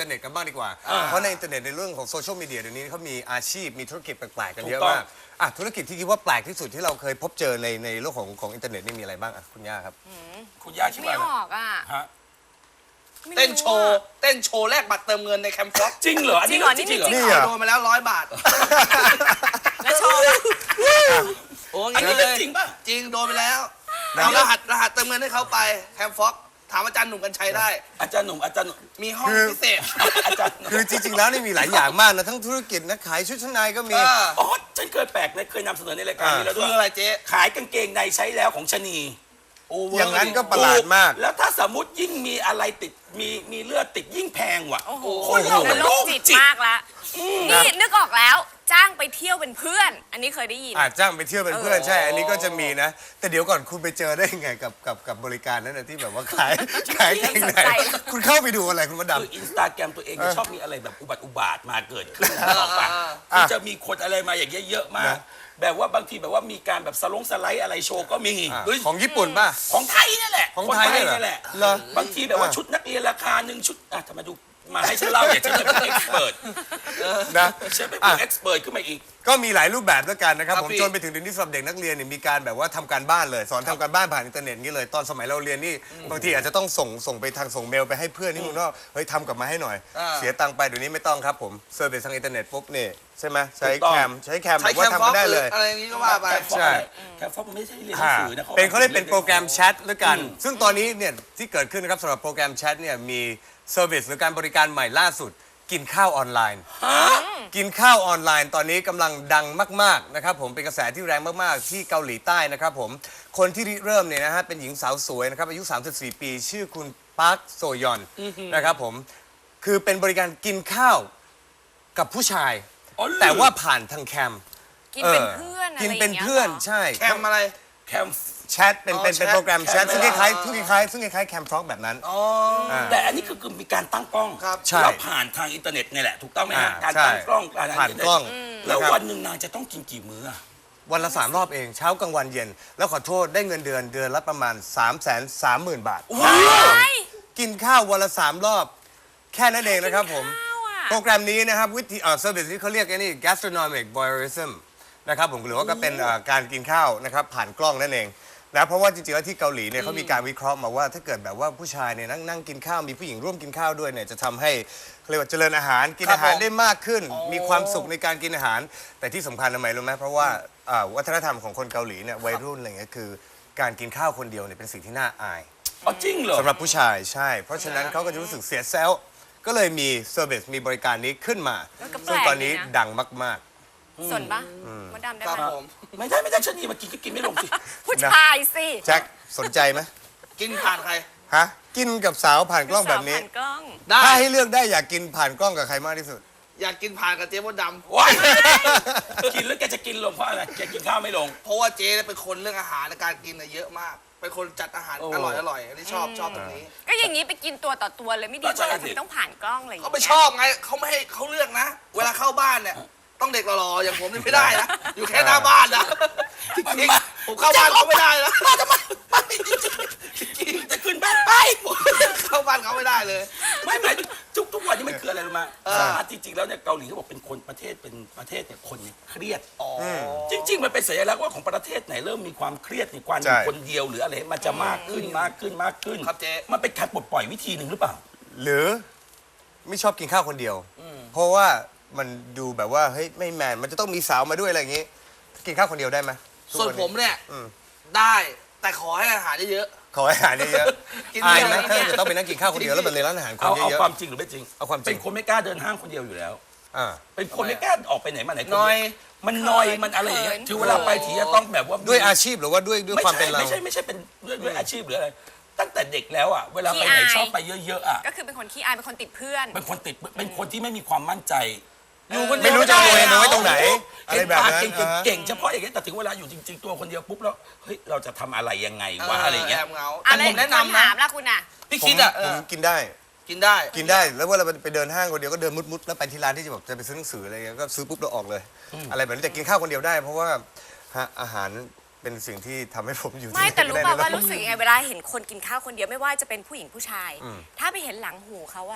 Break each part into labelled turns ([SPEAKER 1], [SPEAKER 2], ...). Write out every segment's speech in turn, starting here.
[SPEAKER 1] เน็ตกันบ้างดีกว่าเพราะในอินเทอร์เน็ตในเรื่องของโซเชียลมีเดียเดี๋ยวนี้เขามีอาชีพมีธุรกิจแปลกๆกันเยอะมากธุรกิจที่คิดว่าแปลกที่สุดที่เราเคยพบเจอในโลกของอินเทอร์เน็ตนี่มีอะไรบ้างคุณย่าครับ
[SPEAKER 2] คุณย่าคิด
[SPEAKER 3] ไม่
[SPEAKER 2] ว่า
[SPEAKER 3] ออกอ่ะ
[SPEAKER 2] ฮะ
[SPEAKER 4] เต้นโชว์แลกบัตรเติมเงินในแคมป์ฟล็อก
[SPEAKER 2] จริงเหรออันนี้
[SPEAKER 3] จริงเหรอ
[SPEAKER 2] จริงเหรอ
[SPEAKER 1] นี่เหรอ
[SPEAKER 4] โดนมาแล้ว100 บาท
[SPEAKER 3] แล้วโชว์ป่ะ
[SPEAKER 4] โอ้
[SPEAKER 2] อัน
[SPEAKER 4] งี้
[SPEAKER 2] นี้
[SPEAKER 4] เลย
[SPEAKER 2] จริงป่ะ
[SPEAKER 4] จริงโดนไปแล้วเอารหัสเติมเงินให้เขาไปแคมป์ฟล็อกถามอาจารย์หนุ่มกัญชัยได้
[SPEAKER 2] อาจารย์หนุ่ม
[SPEAKER 4] มีห้องพิเศษ
[SPEAKER 2] อาจารย์หนุ่ม
[SPEAKER 1] คือจริงๆแล้วนี่มีหลายอย่างมากนะทั้งธุรกิจนะขายชุดชั้นในก็มี
[SPEAKER 2] อ๋อฉันเคยแปลกนะเคยนำเสนอในรายการนี้แล้วด้
[SPEAKER 4] คื
[SPEAKER 2] วย
[SPEAKER 4] ออะไรเจ๊
[SPEAKER 2] ขายกางเกงในใช้แล้วของชะนี
[SPEAKER 1] อย่างนั้นก็ประหลาดมาก
[SPEAKER 2] แล้วถ้าสมมติยิ่งมีอะไรติดมีเลือดติดยิ่งแพงว่ะ
[SPEAKER 3] โอ้โห
[SPEAKER 2] คนเรามัน
[SPEAKER 3] โร
[SPEAKER 2] โร
[SPEAKER 3] ค
[SPEAKER 2] ค
[SPEAKER 3] จิต
[SPEAKER 2] จิต
[SPEAKER 3] มากละนี่นึกออกแล้วจ้างไปเที่ยวเป็นเพื่อน อันนี้เคยได้ยิน
[SPEAKER 1] จ้างไปเที่ยวเป็นเพื่อนใช่ อันนี้ก็จะมีนะ แต่เดี๋ยวก่อนคุณไปเจอได้ยังไงกับบริการนั้นนะที่แบบว่าขายเกงในคุณเข้าไปดูอะไรคุณมด
[SPEAKER 2] คืออินสตาแกรมตัวเองจะชอบมีอะไรแบบอุบาทมาเกิดขึ้นออกปะคือจะมีคนอะไรมาอย่างเงี้ยเยอะมาก แบบว่าบางทีแบบว่ามีการแบบสไลด์อะไรโชว์ก็มี
[SPEAKER 1] ำของญี่ปุ่นป่ะ
[SPEAKER 2] ของไทยนี่แหละ
[SPEAKER 1] ของไทยเนี่ยเหรอ
[SPEAKER 2] นี่แหละ
[SPEAKER 1] เหรอ
[SPEAKER 2] บางทีแบบว่าชุดนักเรียนราคาหนึ่งชุดทำไมดูมาให้ฉันเล่าอย่าฉันจะเป็นเอ็กซ์เพิร์
[SPEAKER 1] นะ
[SPEAKER 2] ฉันเป็นเอ็กซ์เพิร์ขึ้นมาอีก
[SPEAKER 1] ก็มีหลายรูปแบบแล้วกันนะครับ
[SPEAKER 4] ครับ
[SPEAKER 1] ผม
[SPEAKER 4] พี่
[SPEAKER 1] จนไปถึงเดี๋ยวนี้สำหรับเด็กนักเรียนเนี่ยมีการแบบว่าทำการบ้านเลย สอนทำการบ้านผ่านอินเทอร์เน็ตนี่เลยตอนสมัยเราเรียนนี่บางทีอาจจะต้องส่งไปทางส่งเมลไปให้เพื่อนที่เมึงนอกเฮ้ยทำกลับมาให้หน่อย เสียตังค์ไปเดี๋ยวนี้ไม่ต้องครับผมเซิร์ฟเวอร์ทางอินเทอร์เน็ตปุ๊บนี่ใช่ไหมใช้
[SPEAKER 2] ถูกต้อง
[SPEAKER 1] แคมแบ
[SPEAKER 4] ใช้
[SPEAKER 1] บ
[SPEAKER 4] แค
[SPEAKER 1] ว่าม
[SPEAKER 4] ป์
[SPEAKER 1] ทำ
[SPEAKER 4] ฟล็อ
[SPEAKER 1] กั
[SPEAKER 4] ก
[SPEAKER 1] นได้
[SPEAKER 4] ห
[SPEAKER 1] เล
[SPEAKER 4] รือย อะไรนี้ก็ว่าไป
[SPEAKER 1] ใช่
[SPEAKER 2] แคมฟ็อกมันไม่ใช่เรียนหนังสือนะ
[SPEAKER 1] เป็นเขาเรียกเป็นโปรแกรมแชทด้วยกัน ซึ่งตอนนี้เนี่ยที่เกิดขึ้นนะครับสำหรับโปรแกรมแชทเนี่ยมีเซอร์วิสหรือการบริการใหม่ล่าสุด กินข้าวออนไลน์ กินข้าวออนไลน์ตอนนี้กำลังดังมากๆนะครับผมเป็นกระแสที่แรงมากๆที่เกาหลีใต้นะครับผมคนที่ริเริ่มเนี่ยนะฮะเป็นหญิงสาวสวยนะครับอายุ 34 ปี ชื่อคุณปาร์คโซยอนนะครับผมคือเป็นบริการกินข้าวกับผู้ชาย
[SPEAKER 2] อ๋อเหรอ
[SPEAKER 1] แต่ว่าผ่านทางแคม
[SPEAKER 3] กินเป็นเพื่อนอะไร
[SPEAKER 1] กิน
[SPEAKER 3] อย่าง
[SPEAKER 1] เป็น
[SPEAKER 3] เงี้ย
[SPEAKER 1] เพื่อน
[SPEAKER 3] หร
[SPEAKER 1] ใช่
[SPEAKER 4] แคมอะไร
[SPEAKER 2] แคม
[SPEAKER 1] แชทเป็น
[SPEAKER 4] อ๋อ
[SPEAKER 1] เป็น
[SPEAKER 4] แชท
[SPEAKER 1] โปรแกรมแชท
[SPEAKER 2] แชท
[SPEAKER 1] ซึ่งคล้ายๆแคมฟล็อกแบบนั้น
[SPEAKER 4] อ๋อ
[SPEAKER 2] แต่อันนี้คือมีการตั้งกล้อง
[SPEAKER 4] ครับ
[SPEAKER 1] ใช่
[SPEAKER 2] แล้วผ่านทางอินเทอร์เน็ตนี่แหละถูกต้องไหมฮะ
[SPEAKER 1] อ่า
[SPEAKER 2] การ
[SPEAKER 1] ใช่
[SPEAKER 2] ตั้งกล้องการ
[SPEAKER 1] ผ่านกล้อง
[SPEAKER 2] แล้ว
[SPEAKER 1] นะครับ
[SPEAKER 2] วันหนึ่งนางจะต้องกินกี่มื้ออะ
[SPEAKER 1] วันละ3 รอบเองเช้ากลางวันเย็น แล้วขอโทษได้เงินเดือนละประมาณ 330,000 บาท กินข้าววันละ 3 รอบ แค่นั้นเองนะครับผม
[SPEAKER 3] ข้าวอ่ะ
[SPEAKER 1] โปรแกรมนี้นะครับวิธีเซอร์วิสที่เขาเรียกไอ้นี่ gastronomic voyeurism นะครับผมหรือว่าก็เป็นการกินข้าวนะครับผ่านกล้องนั่นเองนะเพราะว่าจริงๆแล้วที่เกาหลีเนี่ยเขามีการวิเคราะห์มาว่าถ้าเกิดแบบว่าผู้ชายเนี่ยนั่งกินข้าวมีผู้หญิงร่วมกินข้าวด้วยเนี่ยจะทำให้เขาเรียกว่าเจริญอาหารกินอาหารได้มากขึ้น มีความสุขในการกินอาหาร แต่ที่สำคัญทำไมรู้ไหมเพราะว่าวัฒนธรรมของคนเกาหลีเนี่ยวัยรุ่นอะไรเงี้ยคือการกินข้าวคนเดียวเนี่ยเป็นสิ่งที่น่าอาย
[SPEAKER 2] อ๋อจริงเหรอ
[SPEAKER 1] สำหรับผู้ชายใช่ เพราะฉะนั้นเขาก็จะรู้สึกเสียเซลล์ก็เลยมีเซอร์วิสมีบริการนี้ขึ้นมา
[SPEAKER 3] แล้วก็แปลก
[SPEAKER 1] ซึ่งตอนนี้
[SPEAKER 3] ดีนะ
[SPEAKER 1] ดังมาก
[SPEAKER 3] ส่วนปะมดดำได้
[SPEAKER 4] ครับ
[SPEAKER 3] ไหม
[SPEAKER 4] ผม
[SPEAKER 2] ไม่ได้ชะนีมากินก็กินไม่ลงสิ
[SPEAKER 3] ผู้ชายสิ
[SPEAKER 1] ๆแจ็คสนใจไหม
[SPEAKER 4] กินผ่านใคร
[SPEAKER 1] ฮะกินกับสาวผ่านกล้องแบบนี้
[SPEAKER 3] ผ่านกล้อง
[SPEAKER 4] ได้
[SPEAKER 1] ถ้าให้เลือกได้อยากกินผ่านกล้องกับใครมากที่สุด
[SPEAKER 4] อยากกินผ่านกับเจ๊มดด
[SPEAKER 2] ว้ายกินแล้วแกจะกินลงเพราะอะไรแกกินข้าวไม่ลง
[SPEAKER 4] ำเพราะว่าเจ๊เนี่ยเป็นคนเรื่องอาหารในการกินน่ะเยอะมาก เป็นคนจัดอาหาร
[SPEAKER 2] โอ้
[SPEAKER 4] อร่อยอันนี้ชอบตรงนี้
[SPEAKER 3] ก็อย่างนี้ไปกินตัวต่อตัวเลยไม่ดีก
[SPEAKER 2] ก็ใช่
[SPEAKER 3] ว่า
[SPEAKER 2] สิ
[SPEAKER 3] ทำไมต้องผ่านกล้องอะไรอย่าง
[SPEAKER 4] เขา
[SPEAKER 3] เงี้ย
[SPEAKER 4] ไม่ชอบไงเขาไม่ให้เขาเลือกนะ เวลาเข้าบ้านเนี่ยต้องเด็กหล่อๆอย่างผมนี่ไม่ได้นะอยู่แค่หน้าบ้านนะจริงๆผมเข้าบ้านเขาไม่ได้นะ
[SPEAKER 2] มาทำไมไม่จริงๆจะขึ้นบ้านไป
[SPEAKER 4] เข้าบ้านเขาไม่ได้เลย
[SPEAKER 2] ไม่หมายทุกวันนี้มันคืออะไรรู้ไหมจริงๆแล้วเนี่ยเกาหลีเขาบอกเป็นคนประเทศเนี่ยคนเนี่ยเครียดจริง ๆ มันเป็นสัญลักษณ์ว่าของประเทศไหนเริ่มมีความเครียดในความอยู่คนเดียวหรืออะไรมันจะมากขึ้น
[SPEAKER 4] ครับเจ๊
[SPEAKER 2] มันเป็นการปลดปล่อยวิธีหนึ่งหรือเปล่า
[SPEAKER 1] หรือไม่ชอบกินข้าวคนเดียว เพราะว่ามันดูแบบว่าเฮ้ยไม่แมนมันจะต้องมีสาวมาด้วยอะไรอย่างงี้ กินข้าวคนเดียวได้ไหมทุก
[SPEAKER 4] ส่วน
[SPEAKER 1] น
[SPEAKER 4] ผม
[SPEAKER 1] นี้
[SPEAKER 4] เนี่ย
[SPEAKER 1] อืม
[SPEAKER 4] ได้แต่ขอให้อาหารเยอะ
[SPEAKER 1] ขอให้อาหารเยอะ
[SPEAKER 4] กิน
[SPEAKER 1] ๆอายไหม
[SPEAKER 4] เยอะๆ
[SPEAKER 1] ถ้าจะต้องไปนั่งกินข้าวคนเดียวแล้วมันเลยร้านอาหารคน
[SPEAKER 2] เอา
[SPEAKER 1] เยอะ
[SPEAKER 2] ความจริงหรือไม่จริง
[SPEAKER 1] เอาความจริง
[SPEAKER 2] เป็นคนไม่กล้าเดินห้างคนเดียวอยู่แล้ว
[SPEAKER 1] ๆอ่า
[SPEAKER 2] เป็นคนไม่กล้าออกไปไหนมาไหนคน
[SPEAKER 4] น้อย
[SPEAKER 2] เดียวมันนอยมันอะไรอย่างเงี้ยคือเวลาไปทีจะต้องแบบว่า
[SPEAKER 1] ด้วยอาชีพหรือว่าด้วยความเป็นเรา
[SPEAKER 2] ไม่ใช่เป็นด้วยอาชีพหรืออะไรตั้งแต่เด็กแล้วอ่ะเวลาไปไหนชอบไปเยอะๆอ่ะ
[SPEAKER 3] ก็คือเป็นคนขี้อายเป็นคนติดเพื่อน
[SPEAKER 2] เป็นคนที่ไม่มีความมั่นใจ
[SPEAKER 4] อยู่คนเดี
[SPEAKER 1] ไม่
[SPEAKER 4] ยว
[SPEAKER 1] รู้จะเอาตัวเองไปไว้ตรงไหน อะไรแบบนั้น
[SPEAKER 2] เก่งเฉพาะอย่างเงี้ยแต่ถึงเวลาอยู่จริง ๆ ตัวคนเดียวปุ๊บแล้วเฮ้ยเราจะทำอะไรยังไงวะอะไรอย่างเงี้ย
[SPEAKER 4] แอบเหงา
[SPEAKER 3] อะ
[SPEAKER 4] แต่
[SPEAKER 3] ไร
[SPEAKER 4] ผมแนะนำ
[SPEAKER 3] ถา
[SPEAKER 4] นะ
[SPEAKER 3] มละคุณอ่ะ
[SPEAKER 4] พี่
[SPEAKER 1] ผม
[SPEAKER 4] คิดอ่ะ
[SPEAKER 1] ผมกินได้
[SPEAKER 4] กินได้
[SPEAKER 1] กินได้แล้วเวลาไปเดินห้างคนเดียวก็เดินมุดๆแล้วไปที่ร้านที่จะแบบจะไปซื้อหนังสืออะไรเงี้ยก็ซื้อปุ๊บแล้วออกเลย อะไรแบบนี้แต่กินข้าวคนเดียวได้ เพราะว่าอาหารเป็นสิ่งที่ทำให้ผมอยู่ที่
[SPEAKER 3] ไม่แต่รู้
[SPEAKER 1] นี่
[SPEAKER 3] ป่า
[SPEAKER 1] ได้
[SPEAKER 3] ว่ารู้สึกยังไงเวลาเห็นคนกินข้าวคนเดียวไม่ว่าจะเป็นผู้หญิงผู้ชาย ถ้าไปเห็นหลังหูเขาอะ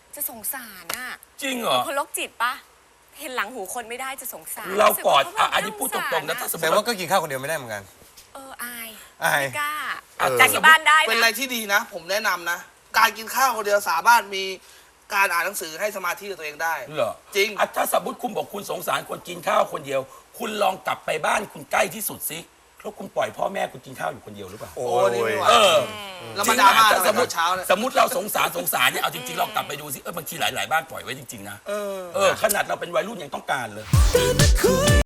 [SPEAKER 3] จะสงสารอ่ะ
[SPEAKER 2] จริงเหรอ
[SPEAKER 3] คนโรคจิตปะเห็นหลังหูคนไม่ได้จะสงสาร
[SPEAKER 2] เรากอด
[SPEAKER 3] สึว่
[SPEAKER 2] อันนี้พูดตรงๆนะถ้าสมม
[SPEAKER 1] แต่
[SPEAKER 2] ติ
[SPEAKER 1] ว่าก็กินข้าวคนเดียวไม่ได้เหมือนกัน
[SPEAKER 3] อาย
[SPEAKER 1] อาย
[SPEAKER 3] ไม่กล้า
[SPEAKER 1] เออ
[SPEAKER 3] แต่ที่บ้านได้
[SPEAKER 4] เป็นอะไร
[SPEAKER 3] นะ
[SPEAKER 4] ที่ดีนะ ผมแนะนำนะ การกินข้าวคนเดียวสามารถมีการอ่านหนังสือให้สมาธิกับตัวเองได้
[SPEAKER 2] เหรอ
[SPEAKER 4] จริง
[SPEAKER 2] อ่ะถ้าสมมติคุณบอกคุณสงสารคนกินข้าวคนเดียว คุณลองกลับไปบ้านคุณใกล้ที่สุดสิแล้วคุณปล่อยพ่อแม่คุณกินข้าวอยู่คนเดียวหรือเปล่า
[SPEAKER 1] โอ้
[SPEAKER 4] โอ้นี่ไม่ไหว
[SPEAKER 2] เออ
[SPEAKER 4] แล้วมาดราม่า
[SPEAKER 2] จริงๆ
[SPEAKER 4] ทำ
[SPEAKER 2] ส
[SPEAKER 4] ไม
[SPEAKER 2] มม
[SPEAKER 4] ตอ
[SPEAKER 2] ติ
[SPEAKER 4] นเช้าเนี่ย
[SPEAKER 2] สมมติเราสงสารเนี่ยเอาจริงๆเรากลับไปดูสิบางทีหลายๆบ้านปล่อยไว้จริงๆนะขนาดเราเป็นวัยรุ่นยังต้องการเลย